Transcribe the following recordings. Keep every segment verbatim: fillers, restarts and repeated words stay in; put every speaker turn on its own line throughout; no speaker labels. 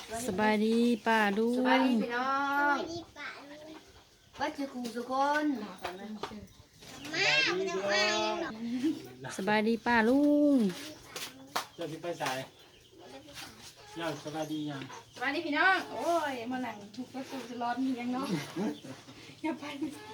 สบายดีป้าลุง
สบายดีพี่น้องวัดคือครูทุกคน
สบายดีป้าลุง
เจ้าที่ไปสายย่าสบายดียัง
สบายดีพี่น้องโอ้ยมาหลังทุกประตูจะร้อนมียังเนาะอย่าไป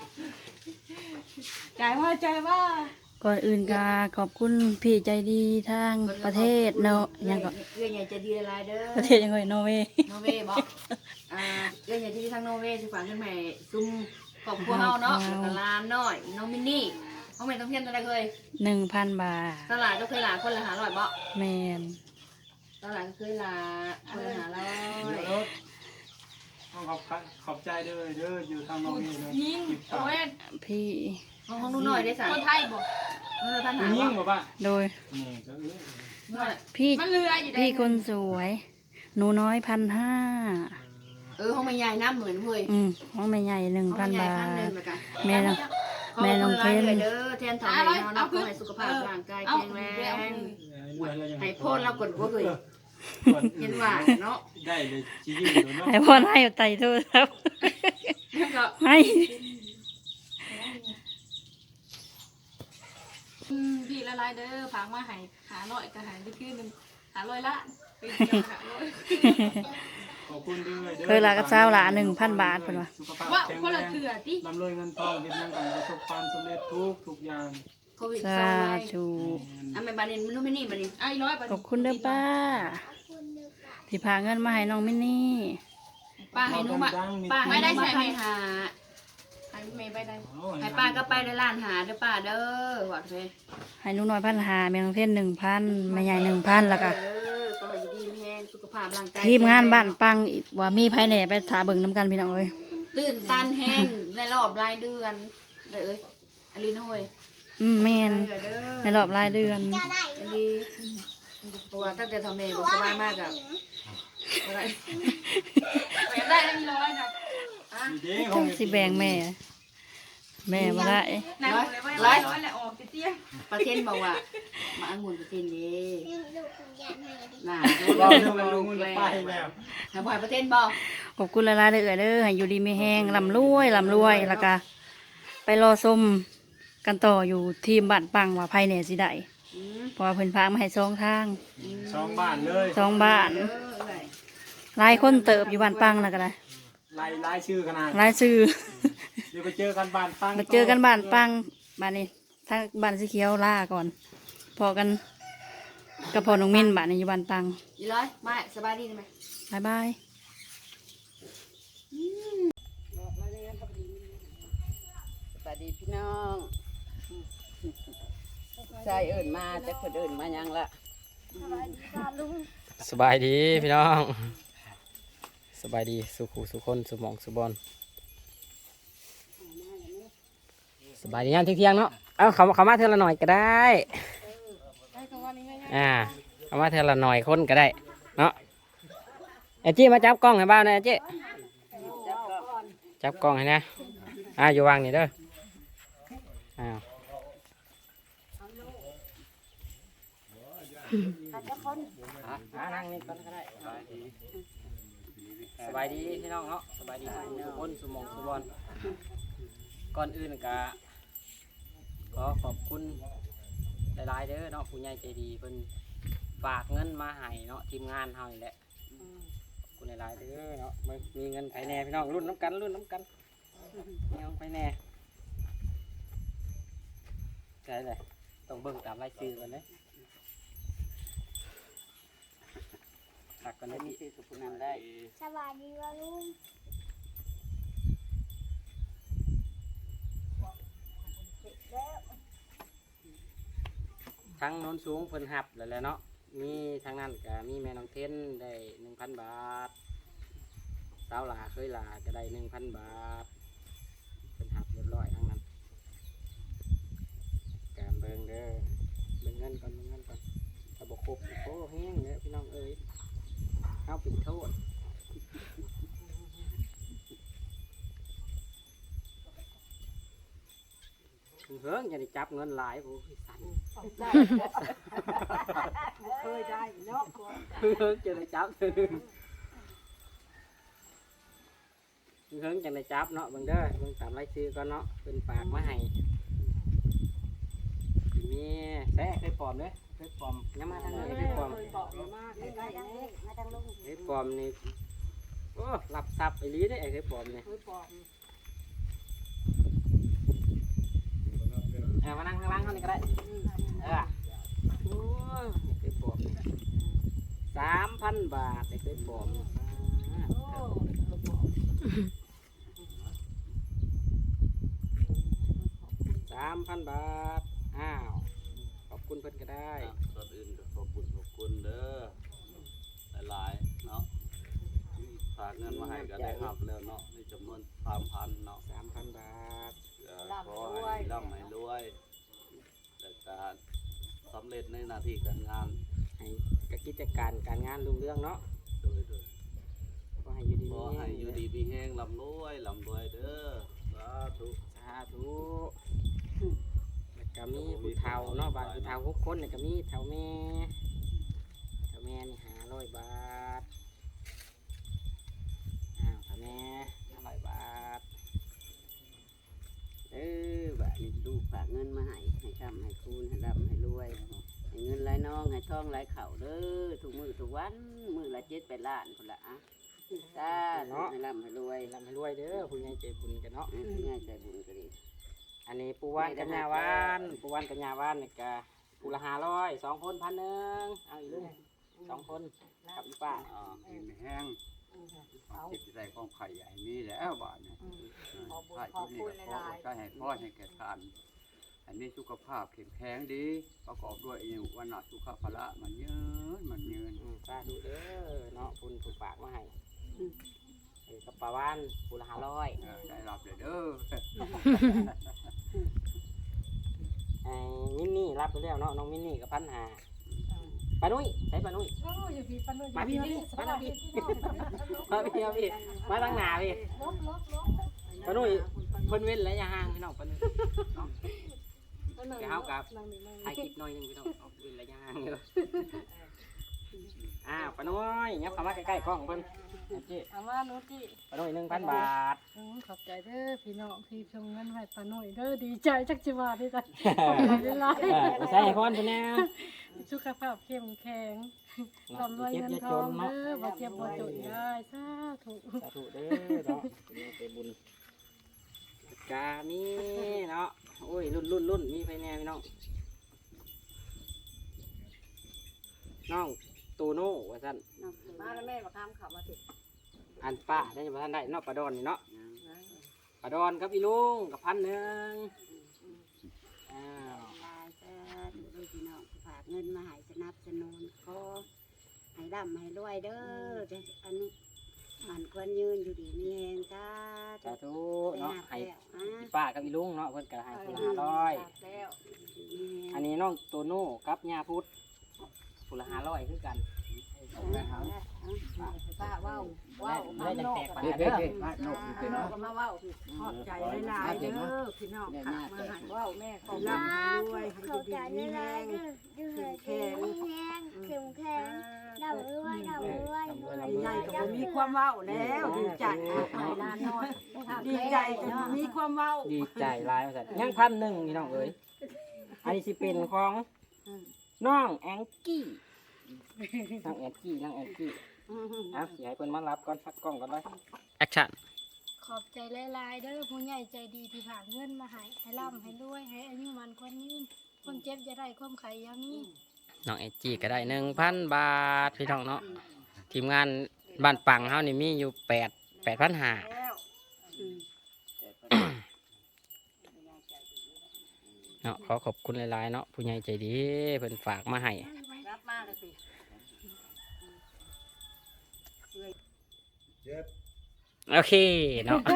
ใจว่าใจว่า
ก่อนอื่นก็ขอบคุณพี่ใจดีทางประเทศเนาะยังก็
เรื่องใหญ่จะดีอะไรเด้อ
ประเทศยังไงนอร์เวย์
โนเวบอกอ่าเรื่องใหญ่ที่ทางโนเวสิฝากขึ้นใหม่ซุ่มครอบครัวเฮาเนาะแล้วก็ลานน้อยน้องมินนี่น้องแม่ต้องเพียนตัวใดเคย
หนึ่งพันบาท
ตลาดก็เคยลาคนละหาร้อยบ่
แมน
ตลาดก็เคยลาคนละหาร้อย
ต้องขอบขอบใจเด้อเด้ออยู่ทางนอกนี่เลย
ยิงโอ้ย
พี่
ห้องห้องนู้นหน่อยได้สั่ง
คนไทยบอก
เออท่านหา
ยิ่ง
บ่
บ่ป่ะ
โดย
นี่ก็เออ
หน่อย
พี่
มันเรืออยู่ได้
พี่คนสวย หนูน้อยพันห้า
เออห้องแม่ใหญ่น้ำเหมือนเว้ย
อืมห้องแม่ใหญ่หนึ่ง
ห้อง
พัน
แม่ใหญ่
บา
พันหนึ่
ท
งเหมือนกัน
แม่น้องแม่น้องเพน
เด้อแทนทำให้เฮานะขอให้สุขภาพร่างกายแข็งแรงให้พ่นเรากดบ่เคยเห็นว่าเนาะ
ได้เลยจียิ่งเนาะ
ให้พ่อให้ไต่โทรศัพท์
แล้วก็
ให้
อืมพี่ละลายเด้อฝากมาหายหาร้อยก็หายไปคืนนึงหาร้อยละไปหาร้อย
ขอบคุณด้วยเด้อ
เคยลากับเจ้าละหนึ่งพันบาทเป็นวะ
สุขภาพ
ว่า
แข็ง
คน
แร
ละ
ง
เถื่อติ
ร่ำรวยเงินทองเฮ็ดหยังกันประสบความสำเร็จทุกทุกอย่าง
โควิด
สา
เศร้าไว้
ธุ
อ่ะแม่บานินมันนู้นไม่นี่บานิน
ไอ้ร้อย
ขอบคุณเด้อป้าที่พาเงินมาให้น้องมินนี่
ป้าให้หนูมา
ป้า
ไม่
ให้
ได้
ได้
ใช่
ใช่
ไห
ไห
ม
มหา
ให้เมย์ไปได้
ให้ป้าก็ไปได้ร้านหาเด้อป้าเด้อหวัดเลย
ให้หนูน้อยพันหาแม่น้องเทนหนึ่งพันแม่ใหญ่หนึ่งพันแล้วก็
เออก็ให้ดีแห้งสุขภาพร่างกาย
ทีมงานบ้านปังอีกว่ามีภายในไปถาเบิ่งน้ำกันพี่น้องเอ้ย
ตื่นตันแห้งในรอบรายเดือนเลยเอ้ยอลินห้อย
อืมแม่น
เด้อ
ในรอบรายเดือน
อลีเพราะว่าตั้งแต่ทำเมย์บอกสบายมากอะอะไร
ไปได้แล้วมีร้อยนะ
ดีเด้
จังสิแบ่งแม่ แม่บ่ได้
นายบอกเลยว่าร้อยร้อยแหละออกเตี้ย
ประเทศบอกว่ามาองุ่นประเทศนี้น่า
เราเรื่องมันลุงมันไปแล้ว
ทำบ่อยประเทศบอก
ขอบคุณหลายๆเด้อเอ้ยเด้อให้อยู่ดีมีแห้งลำรวยลำรวยแล้วก็ไปรอชมกันต่ออยู่ทีมบ้านปังว่าภายในสิได้
อืม
เพราะว่าเพิ่นพามาให้สองทาง
สองบ้านเลย
สองบ้าน
เอออะไร
หลายคนเติบอยู่บ้านปังแล้วก็ได้
ไล่ไล่ชื่อขนาด
หลายชื่อ
เดี๋ยวไปเจอกันบ้านปัง
มาเจอกันบ้านปังบ้านนี้ถ้าบ้านสีเขียวล่าก่อน พอกันกับพอน้องมิ้นบ้านนี้อยู่บ้านปัง
ยี่ร้อยมาสบายดีไหม
บายบาย
สบายดีพี่น้องใช่เอิญมาแต่คนเอิญมายังละ
สบายดีพี่น้องสบายดีสุขูสุคนสุหมองสุบอลสบายดีงานเที่ยงๆเนาะเอาเขาเขามาเท่าละหน่อยก็ได้อ่าเขามาเท่าละหน่อยคนก็ได้เนาะไอ้จี้มาจับกล้องให้บ้านนะไอ้จี้จับกล้องให้นะอ่าอยู่วางนี่เด้ออ้าวอ่านั่งนี่ก่อนก็ได้สบายดีพี่น้องเนาะสบายดีทุกคนสุหมองสุบอลก่อนอื่นก็ขอขอบคุณหลายๆเด้อเนาะผู้ใหญ่ใจดีเพิ่นฝากเงินมาให้เนาะทีมงานเฮานี่แหละขอบคุณหลายๆเด้อเนาะมีเงินไผแน่พี่น้องรุ่นน้ำกันรุ่นน้ำกันมีเงินไผแน่ใช่เลยต้องเบิ่งตามรายชื่อกันเลยตักกันได้มีชื่อสุขุนันได้
สวัสดีว่าลุง
ทั้งโน้นสูงเพิ่นหับแล้วแหละเนาะมีทางนั้นก็มีแม่น้องเทนได้หนึ่งพันบาทสาวหลาเคยหลาก็ได้หนึ่งพันบาทเป็นหับเรียบร้อยทั้งนั้นแกมเบิงเด้อเบิงเงินก่อนเบิงเงินก่อนถ้าบอกครบโอ้แห้งเนี่ยพี่น้องเอ้ยเอาปิดโทษเฮ้ยอย่าได้จับเงินหลายโอ้ยสั่น เคยได้เนาะเพิ่งจะได้จับเพิ่งจังได้จับเนาะเบิ่งเด้อเบิ่งตามรายชื่อก่อนเนาะเพิ่นฝากมาให้มีแซ่เคยปลอมเด้อเคยปลอมยังมาทางนี้เคยปลอม
ใกล้ๆนี่มาทางลุง
เคยปลอมนี่โอ้หลับซับไอ้ลีเด้อไอ้เคยปลอมนี่เออมานั่งข้างล่างเท่านี้ก็ได้เออโอ้ยเคยปลอมนี่สามพันบาทไอ้เคยปลอมนี่สามพันบาทอ้าวขอบคุณเพิ่นก็ได้
ก่อนอื่นก็ขอบคุณขอบคุณเด้อหลายๆเนาะฝากเงินมาให้ก็ได้รับแล้วเนาะในจำนวนสามพันเนาะ
สามพันบาท
ขอให้ร่ำให้รวยแต่การสำเร็จในหน้าที่การงาน
ให้กับกิจการการงานรุ่งเรืองเนาะ
โดยโดย
ขอให้อยู่ดี
ขอให้อยู่ดีมีแห้งร่ำรวยร่ำรวยเด้อสาธุ
สาธุแล้วก็มีผู้เฒ่าเนาะบางผู้เฒ่าหกคนเนี่ยก็มีเฒ่าแม่เฒ่าแม่นี่ห้าร้อยบาทอ้าวเฒ่าแม่ห้าร้อยบาทเออแบบนี้
ลูกฝากเงินมาให้ให้ทำให้คูณให้ร่ำให้รวยให้เงินไหลน้องให้ทองไหลเข่าเด้อทุกมือทุกวันมือละเจ็ดแปดล้านคนละอ่ะสาธุให้ร่ำให้รวย
ร่ำให้รวยเด้อผู้ใหญ่ใจบุญกันเนาะ
ให้ผู้ใหญ่ใจบุญก็ดี
อันนี้ปูวานกัญญาวานปูวานกัญญาวานนี่ก็ปูละห้าร้อยสองคนพันหนึ่งเอาอีกลุงสองคนกับอีป้า
อ่ากินไม่แห้งความคิดใจของไข่ใหญ่มีแล้วบ้านเนี่ยถ้าชุดนี้ก็ขอใช้ให้พ่อให้แก่ทานอันนี้สุขภาพเข้มแข็งดีประกอบด้วยอายุวันนะสุขภาระมันยืนมันยืน
อืมป้าดูเด้อเนาะคุณถูกฝากมาให้เออกับปลาวานปูละห้าร้อย
เออได้รับเลยเด้อ
ไอ้มินนี่รับไปแล้วเนาะน้องมินนี่กับพันหาปานุ้ยใช้ปานุ้ยมาพี่พี่มาพี่มาพี่มาพี่มาตั้งหนาพี่ปานุ้ยเพิ่นเว้นระยะห่างพี่น้องปานุ้ยเนาะแกเฮากับถ่ายคลิปหน่อยหนึงพี่น้องเอาเว้นระยะห่างเด้ออ้าวปานุ้ยยับเข้ามาใกล้ๆกล้องเพิ่นโอเค
เอามาหนูจิ
ปานุ้ยหนึ่งพันบาท
อืมขอบใจเด้อพี่น้องที่ชงเงินให้ป้าหน่อยเด้อดีใจจักจิว่าได้จ้ะขอบใจหลาย
เออใส่ให้พรเพิ่นแน่
สุขภาพเข้มแข็งร่ำรวยเงินทองเด้อบ่เจ็บบ่จนได้สาธุ
สาธุเด้อเนาะเป็นบุญกามีเนาะโอ้ยรุ่นรุ่นรุ่นมีไฟแน่พี่น้องน้องตูโน่ว่าซั่น
มาแล้วแม่มาทำข่าวมาสิ
อันป้าได้บ่ทันได้เนาะปลาดอนนี่เนาะปลาดอนกับพี่ลุงกับพันหนึ่งอ้าว
ลายจะดูพี่น้องฝากเงินมาให้สนับสนุนขอให้ร่ำให้รวยเด้อจะอันนี้มันควรยืนอยู่ดีมีแหงจ้า
สาธุ
ไป
เนาะ
หา
ให้
แล้วอ่ะ
พี่ป้ากับพี่ลุงเนาะเพิ่นก็ให้คนละห้าร้อย
แล้ว
อันนี้น้องตูโน่กับย่าพุทธคนละห้าร้อยคือกัน
ป้าว้าวว้าว
ได้จังแตกปาน
เด็
เด้
ด
อ
เด็ดมาโนกเด็ด
น้อ
เนาะ
งก็มาว้าว
ขอบใจหลายๆเด้อพี่น้องค่ะมาให้
ว้าวแม่ขอบ
ร่ำให้รวยให้
เขา
ดี
จะ
ๆมี
ได้
แร
ไรง เด้อดูเหตุมีแห้งเข้มแข็งดำรวยดำรวยรวย
ใหญ่ก็บ่มีความเว้าแล้วดีใจให้หลานน้อยดีใจก็บ่มีความเว้า
ดีใจหลายว่าซั่นยังพันหนึ่งพี่น้องเอ้ยอันนี้สิเป็นของน้องแองกี้น้องแองกี้น้องแองกี้อ่ะสิให้เพิ่นมารับก่อนพักกล้องก่อนเลยแอคชั่น
ขอบใจหลายๆเด้อผู้ใหญ่ใจดีที่ผ่านเงินมาให้ให้ร่ำให้รวยให้อายุมันคนยืนคนเจ็บจะได้ความไข่ยามี
น้องแองกี้ก็ได้หนึ่งพันบาทพี่น้องเนาะทีมงานบ้านปังเฮานี่มีอยู่แปดแปดพันห้าเนาะขอขอบคุณหลายๆเนาะผู้ใหญ่ใจดีเพิ่นฝากมาให้
รับมาเลยสิ
โอเคเนาะ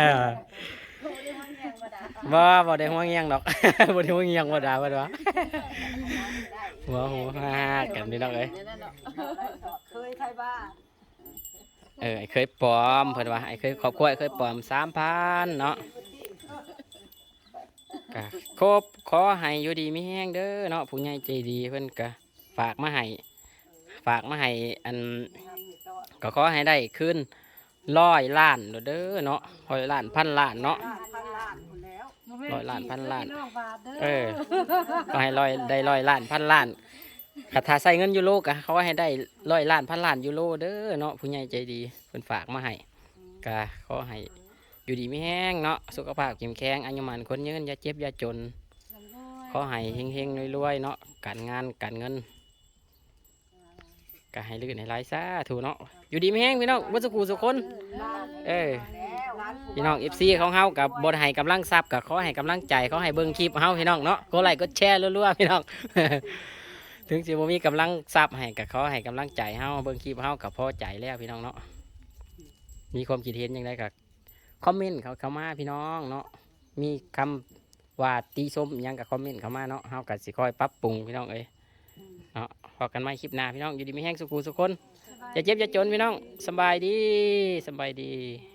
บ่บ่ได้ห่วงเงียงดอก บ่ได้ห่วงเงียงบ่ด่าบ่ดอกหัวหัวฮ่ากันพี่น้องเอ้ย
เคยไทยบ้า
เออไอ้เคยปลอมเพิ่นว่าไอ้เคยครอบครัวไอ้เคยปลอม สามพัน เนาะก็ครบขอให้อยู่ดีมีแฮงเด้อเนาะผู้ใหญ่ใจดีเพิ่นก็ฝากมาให้ฝากมาให้อันก็ขอให้ได้คืนร้อยล้านเด้อเนาะร้อยล้านพันล้านเนาะ
พันล้านคนแล้ว
ร้อยล้านพันล้าน
พี่องบาทเด้อ
เออก็ให้ร้อยได้ร้อยล้านพันล้านคาถาใส่เงินยูโรกะเขาว่าให้ได้ร้อยล้านพันล้านยูโรเด้อเนาะผู้ใหญ่ใจดีเพิ่นฝากมาให้กะขอให้อยู่ดีไม่แห้งเนาะสุขภาพเข้มแข็งอายุมันคนยืนอย่าเจ็บอย่าจนขอให้เฮงๆรวยๆเนาะการงานการเงินก็ให้ลื่นให้ไหลซะถูกเนาะอยู่ดีไม่แห้งพี่น้องวัสกูสุกคนเออพี่น้องเอฟซีของเฮากับบทให้กำลังทรัพย์กับขอให้กำลังใจเขาให้เบิ่งคลิปเฮาพี่น้องเนาะกดไลค์กดแชร์รัวๆพี่น้อง ถึงสิบ่มีกำลังทรัพย์ให้กับเขาให้กำลังใจเฮาเบิ่งคลิปเฮากับพอใจแล้วพี่น้องเนาะมีความคิดเห็นยังไงกับคอมเมนต์เขาเข้ามาพี่น้องเนาะมีคำว่าตีส้มยังกับคอมเมนต์เข้ามาเนาะเฮาก็สิคอยปรับปรุงพี่น้องเอ้ยเนาะพอกันใหม่คลิปหน้าพี่น้องอยู่ดีมีแห้งสุขุสุขคนอย่าเจ็บอย่าจนพี่น้องสบายดีสบายดี